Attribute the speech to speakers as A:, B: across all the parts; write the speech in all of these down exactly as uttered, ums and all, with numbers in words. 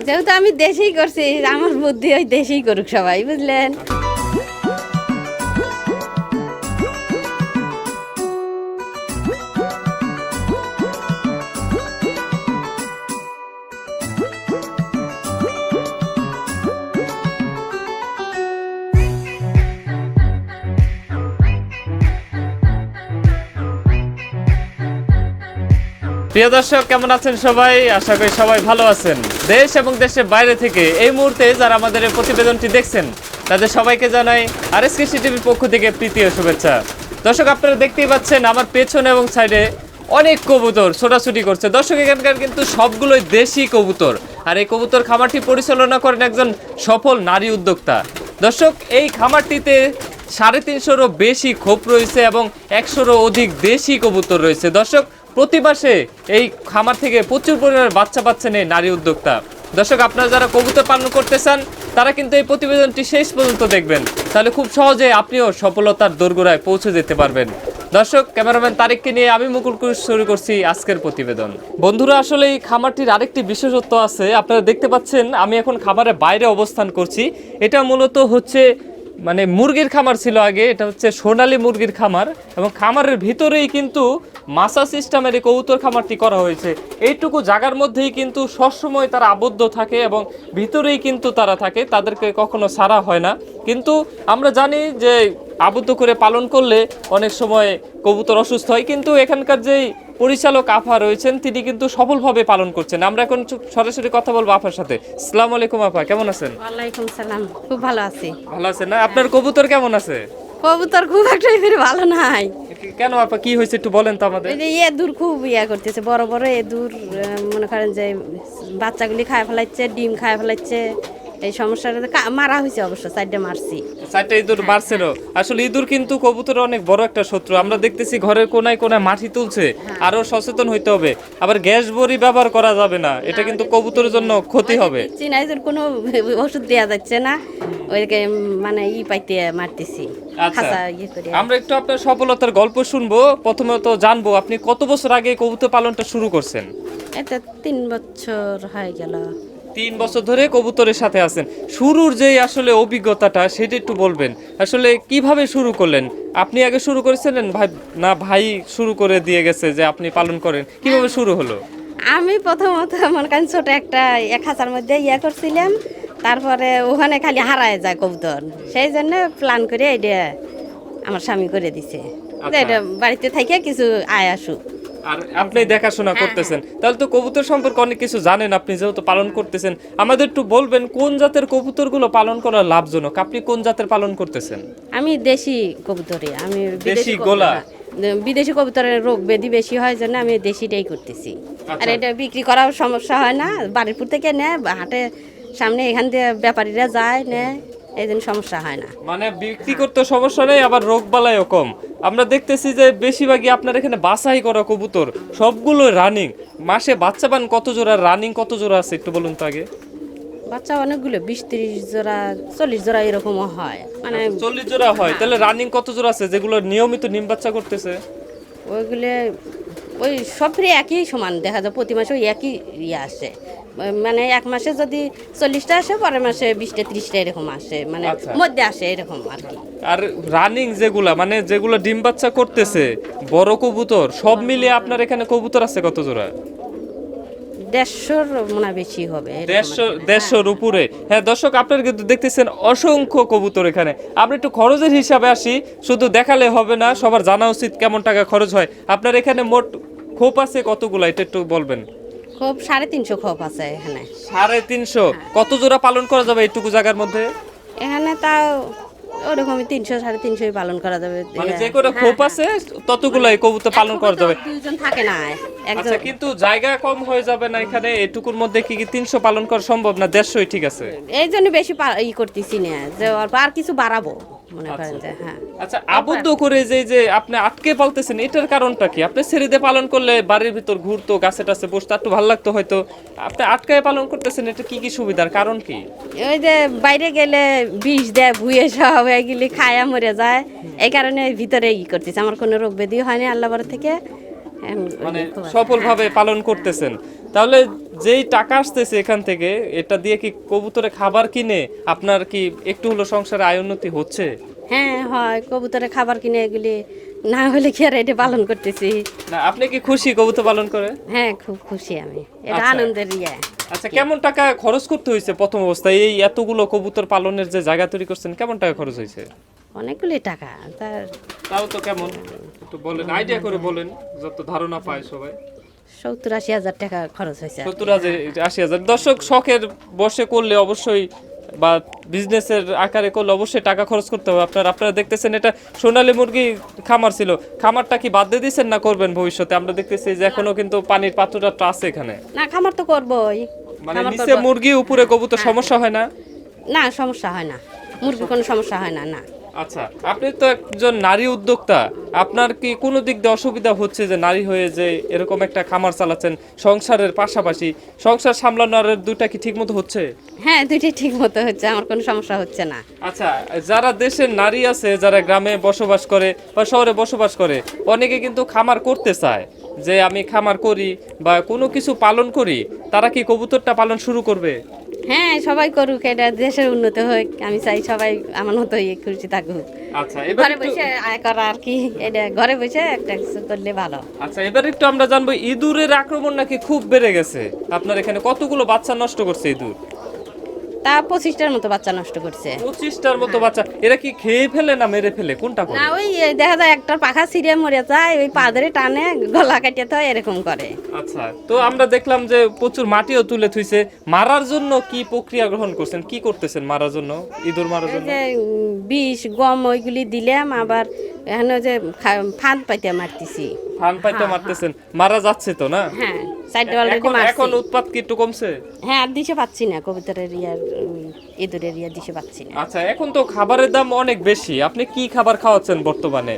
A: যেহেতু আমি দেশেই করছি, আমার বুদ্ধি ওই দেশেই করুক সবাই, বুঝলেন।
B: প্রিয় দর্শক, কেমন আছেন সবাই? আশা করি সবাই ভালো আছেন। দেশ এবং দেশের বাইরে থেকে এই মুহূর্তে যারা আমাদের এই প্রতিবেদনটি দেখছেন তাদের সবাইকে জানাই আরএসকে টিভির পক্ষ থেকে প্রীতি ও শুভেচ্ছা। দর্শক, আপনারা দেখতেই পাচ্ছেন আমার পেছনে এবং সাইডে অনেক কবুতর ছোটাছুটি করছে। দর্শক, এখানকার কিন্তু সবগুলোই দেশি কবুতর, আর এই কবুতর খামারটি পরিচালনা করেন একজন সফল নারী উদ্যোক্তা। দর্শক, এই খামারটিতে সাড়ে তিনশোরও বেশি খোপ রয়েছে এবং একশোরও অধিক দেশি কবুতর রয়েছে। দর্শক, প্রতি মাসে এই খামার থেকে প্রচুর পরিমাণে বাচ্চা পাচ্ছেন এই নারী উদ্যোক্তা। দর্শক, আপনারা যারা কবুতর পালন করতে চান তারা কিন্তু এই প্রতিবেদনটি শেষ পর্যন্ত দেখবেন, তাহলে খুব সহজে আপনিও সফলতার দোরগোড়ায় পৌঁছে যেতে পারবেন। দর্শক, ক্যামেরাম্যান তারিককে নিয়ে আমি মুকুল কুশ শুরু করছি আজকের প্রতিবেদন। বন্ধুরা, আসলে এই খামারটির আরেকটি বিশেষত্ব আছে। আপনারা দেখতে পাচ্ছেন আমি এখন খামারের বাইরে অবস্থান করছি। এটা মূলত হচ্ছে মানে মুরগির খামার ছিল আগে, এটা হচ্ছে সোনালী মুরগির খামার, এবং খামারের ভিতরেই কিন্তু মাসা সিস্টেমের এই কবুতর খামারটি করা হয়েছে। এইটুকু জায়গার মধ্যেই কিন্তু সবসময় তারা আবদ্ধ থাকে এবং ভিতরেই কিন্তু তারা থাকে, তাদেরকে কখনো ছাড়া হয় না। কিন্তু আমরা জানি যে আবদ্ধ করে পালন করলে অনেক সময় কবুতর অসুস্থ হয়, কিন্তু এখানকার যেই পরিচালক আফা রয়েছেন তিনি কিন্তু সফলভাবে পালন করছেন। আমরা এখন সরাসরি কথা বলবো আফার সাথে। আসসালামু আলাইকুম আপা, কেমন আছেন?
A: ওয়ালাইকুম সালাম, খুব ভালো আছি।
B: ভালো আছেন না? আপনার কবুতর কেমন আছে?
A: কবুতর খুব একটা ফিরে ভালো নাই।
B: কেন আপা, কি হয়েছে একটু বলেন তো আমাদের।
A: এই যে এদুর খুব ইয়া করতেছে, বড় বড় এদুর, আহ, মনে করেন যে বাচ্চাগুলি খায় ফেলাচ্ছে, ডিম খায় ফেলাচ্ছে। এই সমস্যাটা কা- মারা হয়েছে, অবশ্য চারটে মারছি।
B: চারটা ইঁদুর মারছিল। আসলে ইঁদুর কিন্তু কবুতরের অনেক বড় একটা শত্রু। আমরা দেখতেছি ঘরের কোনায় কোনায় মাটি তুলছে, আরো সচেতন হইতে হবে। আবার গ্যাস বড়ি ব্যবহার করা যাবে না, এটা কিন্তু কবুতরের জন্য ক্ষতি হবে।
A: চীনা এদুর কোনো ওষুধ দেওয়া যাচ্ছে না, ওইকে মানে ই পাইতে মারতেছি।
B: আচ্ছা,
A: খাঁচা ইয়ে করে।
B: আমরা একটু আপনার সফলতার গল্প শুনবো। প্রথমত জানবো আপনি কত বছর আগে কবুতর পালনটা শুরু করছেন?
A: এটা তিন বছর হয়ে গেল।
B: তিন বছর ধরে কবুতরের সাথে আছেন। শুরুর যে আসলে অভিজ্ঞতাটা সেটা একটু বলবেন। আসলে কিভাবে শুরু করলেন? আপনি আগে শুরু করেছিলেন ভাই, না ভাই শুরু করে দিয়ে গেছে যে আপনি পালন করেন? কিভাবে শুরু হলো?
A: আমি প্রথমত মনে করেন ছোট একটা এক হাজার মধ্যে ইয়ে করছিলাম, তারপরে ওখানে খালি হারায় যায় কবুতর, সেই জন্য প্ল্যান করে এটা আমার স্বামী করে দিছে যে এটা বাড়িতে থেকে কিছু আয় আসুক।
B: আর আপনি দেখাশোনা করতেছেন, তাহলে তো কবুতর সম্পর্কে অনেক কিছু জানেন আপনি, যেহেতু পালন করতেছেন। আমাদের একটু বলবেন কোন জাতের কবুতরগুলো পালন করা লাভজনক? আপনি কোন জাতের পালন করতেছেন?
A: আমি দেশি কবুতরই, আমি
B: দেশি
A: কবুতর
B: গোলা?
A: না। বিদেশি কবুতরের রোগ ব্যাধি বেশি হয় জন্য আমি দেশিটাই করতেছি। আর
B: আচ্ছা।
A: এটা বিক্রি করার সমস্যা হয় না, বাড়িপুর থেকে নেয়, হাটে সামনে এখান থেকে ব্যাপারীরা যায় নেয়, এই জন্য সমস্যা হয় না।
B: মানে বিক্রি করতে সমস্যা নেই, আবার রোগ বালাইও কম। আমরা দেখতেছি যে বেশিরভাগই আপনার এখানে বাছাই করা কবুতর, সবগুলো রানিং। মাসে বাচ্চা পান কত জোড়া? রানিং কত জোড়া আছে একটু বলুন তো আগে।
A: বাচ্চা অনেকগুলো, বিশ তিরিশ জোড়া চল্লিশ জোড়া এরকমও হয়, মানে
B: চল্লিশ জোড়া হয়, তাহলে রানিং কত জোড়া আছে যেগুলো নিয়মিত ডিম বাচ্চা করতেছে?
A: ওইগুলো ওই সবরই একই সমান দেখা যায়, প্রতি মাসে ওই একই ইয়ে আসে। মানে এক মাসে যদি চল্লিশটা আসে, পরের মাসে বিশটা ত্রিশটা এরকম আসে, মানে
B: আচ্ছা।
A: মধ্যে আসে এরকম আর কি।
B: আর রানিং যেগুলা মানে যেগুলো ডিম বাচ্চা করতেছে বড় কবুতর, সব মিলিয়ে আপনার এখানে কবুতর আছে কত জোড়া?
A: দেড়শোর মনে হয় বেশি হবে, এরকম
B: দেড়শো
A: আর কি।
B: দেড়শোর উপরে। হ্যাঁ দর্শক, আপনারা কিন্তু দেখতেছেন অসংখ্য কবুতর এখানে। আমরা একটু খরচের হিসাবে আসি, শুধু দেখালে হবে না, সবার জানা উচিত কেমন টাকা খরচ হয়। আপনার এখানে মোট খোপ আছে কতগুলা, এটা একটু বলবেন।
A: খোপ সাড়ে তিনশো খোপ আছে এখানে।
B: সাড়ে তিনশো? কত জোড়া পালন করা যাবে এইটুকু জায়গার মধ্যে?
A: এখানে তাও ওরকমই তিনশো সাড়ে তিনশোই পালন করা যাবে।
B: মানে যে করে খোপ আছে ততগুলাই কবুতর পালন করা যাবে?
A: দুইজন থাকে না, একজন।
B: আচ্ছা, কিন্তু জায়গা কম হয়ে যাবে না এখানে? এটুকুর মধ্যে কি কি তিনশো পালন করা সম্ভব না? দেড়শোই ঠিক আছে?
A: এই জন্য বেশি পা- ই করতেছি না, যে অল্প আর কিছু বাড়াবো মনে করেন যে। হ্যাঁ,
B: আচ্ছা, আবদ্ধ করে যে যে আপনি আটকে পালতেছেন এটার কারণটা কি? আপনি ছেড়ে দিয়ে পালন করলে বাড়ির ভিতর ঘুরতো, গাছে টাছে বসতে একটু ভালো লাগতো হয়তো। আপনি আটকায় পালন করতেছেন, এটা কি কি সুবিধার কারণ কি?
A: ওই যে বাইরে গেলে বিষ দেয়, ভুয়ে সব এগুলি খায়া মরে যায়, এই কারণে ভিতরে ই করতেছে। আমার কোনো রোগ ব্যাধি হয়নি আল্লাহর থেকে।
B: মানে সফলভাবে পালন করতেছেন। তাহলে যেই টাকা আসতেছে এখান থেকে, এটা দিয়ে কি কবুতরে খাবার কিনে আপনার কি একটু হলো সংসারে আয় উন্নতি হচ্ছে?
A: হ্যাঁ হয়, কবুতরের খাবার কিনে এগুলি না হলে কি আর এটা পালন করতেছি।
B: না আপনি কি খুশি কবুতর পালন করে?
A: হ্যাঁ খুব খুশি আমি, এটা
B: আচ্ছা।
A: আনন্দের ইয়ে।
B: আচ্ছা, কেমন টাকা খরচ করতে হয়েছে প্রথম অবস্থায় এই এতগুলো কবুতর পালনের যে জায়গা তৈরি করছেন, কেমন টাকা খরচ হয়েছে?
A: অনেকগুলি টাকা, তার
B: তাও তো কেমন একটু বলেন, আইডিয়া করে বলেন যত ধারণা পায় সবাই।
A: সত্তর আশি হাজার টাকা খরচ হয়েছে।
B: সত্তর হাজার আশি হাজার দর্শক শখের বসে করলে অবশ্যই বা বিজনেসের আকারে করলে অবশ্যই টাকা খরচ করতে হবে। আপনার আপনারা দেখতেছেন এটা সোনালী মুরগি খামার ছিল, খামারটা কি বাদ দিয়ে দিচ্ছেন না করবেন ভবিষ্যতে? আমরা দেখতেছি যে এখনো কিন্তু পানির পাত্রটা আছে এখানে,
A: না খামার তো করবোই।
B: মানে
A: খামার
B: নিচে
A: করবো।
B: মুরগি উপরে কবুতর, সমস্যা হয় না?
A: না সমস্যা হয় না, মুরগির কোনো সমস্যা হয় না। না
B: আচ্ছা, আপনি তো একজন নারী উদ্যোক্তা, আপনার কি কোনো দিক দিয়ে অসুবিধা হচ্ছে যে নারী হয়ে যে এরকম একটা খামার চালাচ্ছেন সংসারের পাশাপাশি, সংসার সামলানোর দুইটা কি ঠিক মতো হচ্ছে?
A: হ্যাঁ দুইটাই ঠিক মতো হচ্ছে, আমার কোনো সমস্যা হচ্ছে না।
B: আচ্ছা, যারা দেশের নারী আছে যারা গ্রামে বসবাস করে বা শহরে বসবাস করে, অনেকে কিন্তু খামার করতে চায় যে আমি খামার করি বা কোনো কিছু পালন করি, তারা কি কবুতরটা পালন শুরু করবে?
A: হ্যাঁ সবাই করুক, এটা দেশের উন্নতি হোক, আমি চাই সবাই আমার মতো ইয়ে খুশি থাকুক।
B: আচ্ছা, এবার
A: ঘরে
B: একটু
A: বসে আয় করা আর কি, এটা ঘরে বসে একটা কিছু করলে ভালো।
B: আচ্ছা এবার একটু আমরা জানবো, ইঁদুরের আক্রমণ নাকি খুব বেড়ে গেছে আপনার এখানে, কতগুলো বাচ্চা নষ্ট করছে ইঁদুর?
A: তা পঁচিশটার মতো বাচ্চা নষ্ট করছে।
B: পঁচিশটার মতো বাচ্চা, এরা কি খেয়ে ফেলে না মেরে ফেলে, কোনটা করে?
A: না ওই দেখা যায় একটা পাখা ছিঁড়ে মরে যায়, ওই পাদরে টানে গলা কাটিয়ে তো এরকম করে।
B: আচ্ছা, তো আমরা দেখলাম যে প্রচুর মাটিও তুলে থুইছে, মারার জন্য কি প্রক্রিয়া গ্রহণ করছেন, কি করতেছেন মারার জন্য, ইঁদুর মারার
A: এই
B: জন্য?
A: যে উম, বিষ গম ওইগুলি দিলাম, আবার এখানে যে খা- ফাঁদ পাইতে মারতেছি।
B: ফান পাইতে মারতেছেন, মারা যাচ্ছে তো না?
A: হ্যাঁ সাইডে অলরেডি
B: এখন
A: মারছি।
B: এখন উৎপাত কি একটু কমছে?
A: হ্যাঁ আর দিশে পাচ্ছি না, কবুতরের ইয়ার উম, ইঁদুরের ইয়া দিশে পাচ্ছি না।
B: আচ্ছা, এখন তো খাবারের দাম অনেক বেশি, আপনি কি খাবার খাওয়াচ্ছেন বর্তমানে?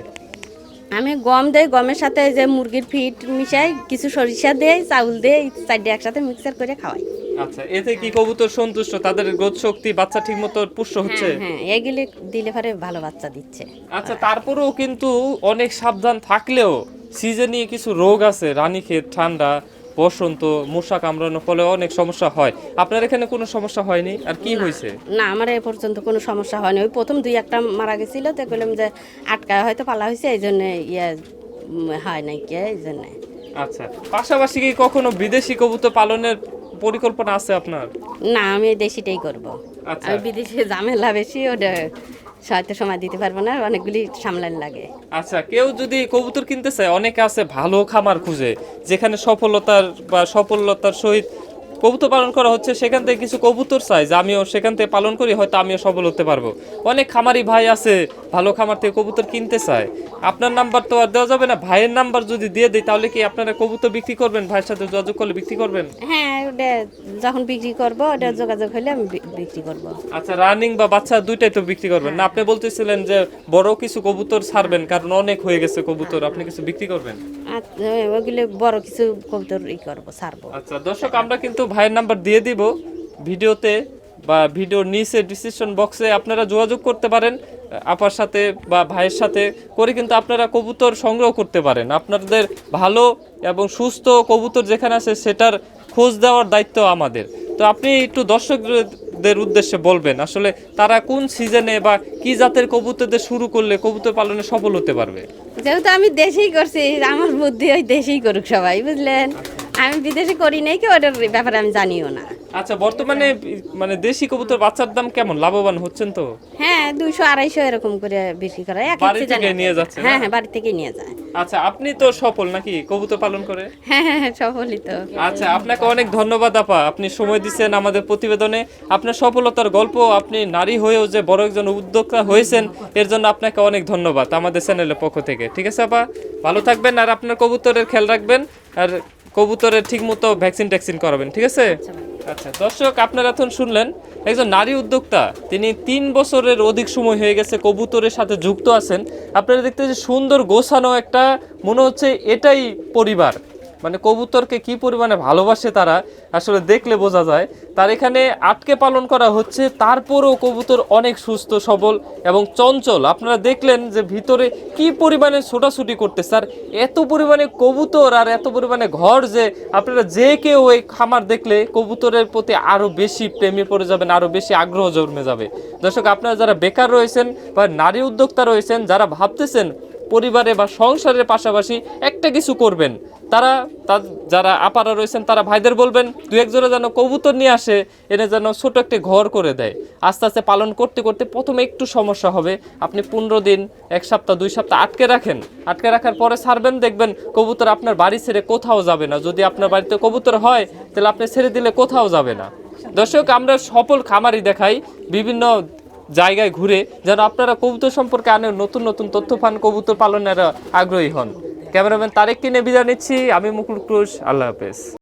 A: আমি গম দেই, গমের সাথে এই যে মুরগির ফিট মিশাই, কিছু সরিষা দেই, চাউল দেই, চারটে একসাথে মিক্সার করে খাওয়াই।
B: আচ্ছা, এতে কি কবুতর সন্তুষ্ট, তাদের গ্রোথ শক্তি, বাচ্চা ঠিকমতো পুষ্ট হচ্ছে?
A: হ্যাঁ হ্যাঁ এগুলি দিলে পরে ভালো বাচ্চা দিচ্ছে।
B: আচ্ছা, তারপরেও কিন্তু অনেক সাবধান থাকলেও সিজনে কিছু রোগ আছে, রানীক্ষেত, ঠান্ডা, বসন্ত, মশা কামড়ানোর ফলে অনেক সমস্যা হয়। আপনার এখানে কোনো সমস্যা হয়নি? আর কি হয়েছে?
A: না আমার এ পর্যন্ত কোনো সমস্যা হয়নি, ওই প্রথম দুই একটা মারা গেছিল, তো বললাম যে আটকা হয়তো পালা হয়েছে, এই জন্য ইয়ে উম, হয় নাই কে এই জন্যে।
B: আচ্ছা, পাশাপাশি কি কখনো বিদেশি কবুতর পালনের পরিকল্পনা আছে আপনার?
A: না আমি দেশিটাই করব।
B: আচ্ছা।
A: আমি বিদেশে ঝামেলা বেশি, ওটা হয়তো সময় দিতে পারবো না, অনেকগুলি সামলান লাগে।
B: আচ্ছা, কেউ যদি কবুতর কিনতে চায়, অনেকে আছে ভালো খামার খুঁজে যেখানে সফলতার বা সফলতার সহিত কবুতর পালন করা হচ্ছে, সেখান থেকে কিছু কবুতর চাই যে আমিও সেখান থেকে পালন করি, হয়তো আমিও সফল হতে পারবো। অনেক খামারি ভাই আছে ভালো খামার থেকে কবুতর কিনতে চায়, আপনার নাম্বার তো আর দেওয়া যাবে না, ভাইয়ের নাম্বার যদি দিয়ে দিই তাহলে কি আপনারা কবুতর বিক্রি করবেন? ভাইয়ের সাথে যোগাযোগ করলে বিক্রি করবেন?
A: হ্যাঁ ওটা যখন বিক্রি করব, ওটা যোগাযোগ হলে আমি বি- বিক্রি করব।
B: আচ্ছা, রানিং বা বাচ্চা দুইটাই তো বিক্রি করবেন না? আপনি বলতেছিলেন যে বড় কিছু কবুতর ছাড়বেন, কারণ অনেক হয়ে গেছে কবুতর, আপনি কিছু বিক্রি করবেন?
A: আর ওগুলো বড় কিছু কবুতর ই করবো, ছাড়বো।
B: আচ্ছা দর্শক, আমরা কিন্তু ভাইয়ের নাম্বার দিয়ে দিব ভিডিওতে বা ভিডিওর নিচে ডিসক্রিপশন বক্সে, আপনারা যোগাযোগ করতে পারেন আপার সাথে বা ভাইয়ের সাথে করে, কিন্তু আপনারা কবুতর সংগ্রহ করতে পারেন। আপনাদের ভালো এবং সুস্থ কবুতর যেখানে আছে সেটার খোঁজ দেওয়ার দায়িত্ব আমাদের। তো আপনি একটু দর্শকদের উদ্দেশ্যে বলবেন আসলে তারা কোন সিজনে বা কি জাতের কবুতরদের শুরু করলে কবুতর পালনে সফল হতে পারবে?
A: যেহেতু আমি দেশেই করছি, আমার বুদ্ধি ওই দেশেই করুক সবাই, বুঝলেন। আমি বিদেশে করি নাই কি, ওটার ব্যাপারে আমি জানিও না।
B: আচ্ছা, বর্তমানে মানে দেশি কবুতর বাচ্চার দাম কেমন, লাভবান হচ্ছেন তো?
A: হ্যাঁ দুইশো আড়াইশো এরকম করে বিক্রি করা, এক
B: বাড়ি
A: এক সিজনে
B: থেকে নিয়ে যাচ্ছে না?
A: হ্যাঁ হ্যাঁ বাড়ি থেকেই নিয়ে যায়।
B: আচ্ছা, আপনি তো সফল নাকি কবুতর পালন করে?
A: হ্যাঁ হ্যাঁ হ্যাঁ, সফলই তো।
B: আচ্ছা, আপনাকে অনেক ধন্যবাদ আপা, আপনি সময় দিচ্ছেন আমাদের প্রতিবেদনে। আপনার সফলতার গল্প, আপনি নারী হয়েও যে বড় একজন উদ্যোক্তা হয়েছেন, এর জন্য আপনাকে অনেক ধন্যবাদ আমাদের চ্যানেলের পক্ষ থেকে। ঠিক আছে আপা, ভালো থাকবেন, আর আপনার কবুতরের খেয়াল রাখবেন, আর কবুতরের ঠিক মতো ভ্যাকসিন ট্যাকসিন করাবেন, ঠিক আছে? আচ্ছা দর্শক, আপনারা এখন শুনলেন একজন নারী উদ্যোক্তা, তিনি তিন বছরের অধিক সময় হয়ে গেছে কবুতরের সাথে যুক্ত আছেন। আপনারা দেখতে যে সুন্দর গোছানো একটা, মনে হচ্ছে এটাই পরিবার, মানে কবুতরকে কি পরিমাণে ভালোবাসে তারা আসলে দেখলে বোঝা যায়। তার এখানে আটকে পালন করা হচ্ছে, তারপরেও কবুতর অনেক সুস্থ সবল এবং চঞ্চল। আপনারা দেখলেন যে ভিতরে কি পরিমাণে ছোটাছুটি করতে, স্যার এত পরিমাণে কবুতর আর এত পরিমাণে ঘর যে আপনারা যে কেউ এই খামার দেখলে কবুতরের প্রতি আরো বেশি প্রেমে পড়ে যাবেন, আরো বেশি আগ্রহ জন্মে যাবে। দর্শক, আপনারা যারা বেকার রয়েছেন বা নারী উদ্যোক্তা রয়েছেন, যারা ভাবতেছেন পরিবারে বা সংসারের পাশাপাশি একটা কিছু করবেন, তারা তার যারা আপারা রয়েছেন তারা ভাইদের বলবেন দু একজনে যেন কবুতর নিয়ে আসে, এনে যেন ছোট একটি ঘর করে দেয়। আস্তে আস্তে পালন করতে করতে প্রথমে একটু সমস্যা হবে, আপনি পনেরো দিন এক সপ্তাহ দুই সপ্তাহ আটকে রাখেন, আটকে রাখার পরে ছাড়বেন, দেখবেন কবুতর আপনার বাড়ি ছেড়ে কোথাও যাবে না। যদি আপনার বাড়িতে কবুতর হয় তাহলে আপনি ছেড়ে দিলে কোথাও যাবে না। দর্শক, আমরা সফল খামারি দেখাই বিভিন্ন জায়গায় ঘুরে, যেন আপনারা কবুতর সম্পর্কে আনে নতুন নতুন তথ্য পান, কবুতর পালনের আগ্রহী হন। ক্যামেরাম্যান তারেক কিনে বিদায় নিচ্ছি, আমি মুকুল ক্রুশ, আল্লাহ হাফেজ।